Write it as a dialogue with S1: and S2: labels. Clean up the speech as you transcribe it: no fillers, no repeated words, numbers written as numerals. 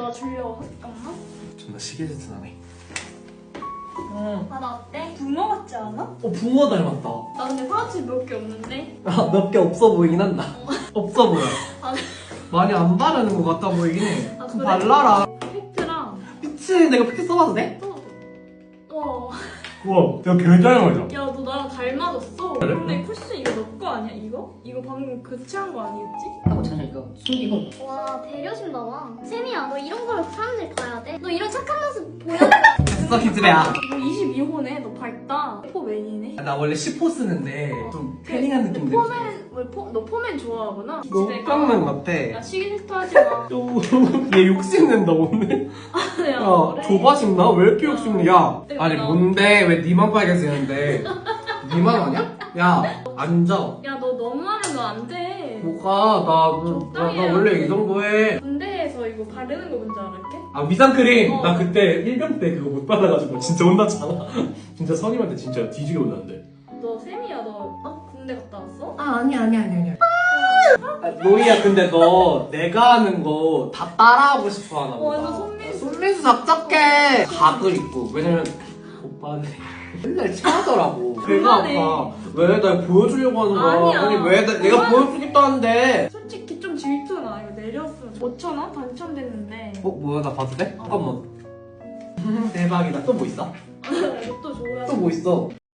S1: 내가 주려고. 잠깐만.
S2: 존나 시계질투 나네.
S1: 아, 나 어때? 붕어 같지 않아?
S2: 붕어 닮았다.
S1: 나 근데 파우치 몇 개 없는데?
S2: 몇 개 없어 보이긴 한다. 없어 보여.
S1: 아,
S2: 많이 안 바르는 것 같아 보이긴 해.
S1: 아,
S2: 좀
S1: 그래?
S2: 발라라.
S1: 팩트랑
S2: 미치, 내가 팩트 써봐도 돼?
S1: 어.
S2: 우와, 내가 개 닮아져.
S1: 야, 너 나랑 닮아졌어.
S2: 그래?
S1: 근데 쿠션 이거 너 거 아니야? 이거? 이거 방금 교체한 거 아니겠지?
S2: 하고 찾으니까 숨기고.
S3: 와 배려심 나와. 세미야 너 이런 거를 사람들이 봐야 돼? 너 이런 착한 모습 보여?
S2: 됐어, 기집애야.
S1: 너 22호네? 너 밝다. 포맨이네?
S2: 나 원래 10호 쓰는데 좀 패닝한 느낌 들지.
S1: 너 포맨 좋아하구나?
S2: 녹강맨 같아.
S1: 야, 시기질투 하지 마.
S2: 얘 욕심낸다 오늘.
S1: 야,
S2: 야,
S1: 그래.
S2: 조바심 나? 왜 이렇게 욕심내? 야,
S1: 내가
S2: 아니
S1: 나-
S2: 뭔데? 왜 니만 빨개 지는데? 니만 아니야? 야, 앉아.
S1: 야, 너 너무하면 너 안 돼.
S2: 뭐가?
S1: 적당히
S2: 나 원래
S1: 해야지.
S2: 이 정도 해.
S1: 군대에서 이거 바르는 거 뭔지 알아? 이렇게?
S2: 아, 위장크림!
S1: 어.
S2: 나 그때 1병 때 그거 못 받아가지고 진짜 혼났잖아. 진짜 선임한테 진짜 뒤지게 혼났는데.
S1: 너 쌤이야, 너 군대 갔다 왔어?
S2: 아, 아니야. 로이야, 근데 너 내가 하는 거 다 따라하고 싶어 하나 보다.
S1: 완전 손민수.
S2: 손민수 답답해. 각을 입고. 왜냐면 오빠는 맨날 체하더라고. 배가
S1: 그만해.
S2: 아파. 왜? 나 보여주려고 하는 거야.
S1: 아니야.
S2: 아니, 왜? 내가
S1: 그만.
S2: 보여주겠다는데.
S1: 솔직히 좀 질투나. 이거 내렸으면 5,000원 당첨됐는데.
S2: 뭐야, 나 봐도 돼? 잠깐만. 대박이다. 또 뭐 있어?
S1: 아, 이것도 줘야
S2: 또 뭐 있어?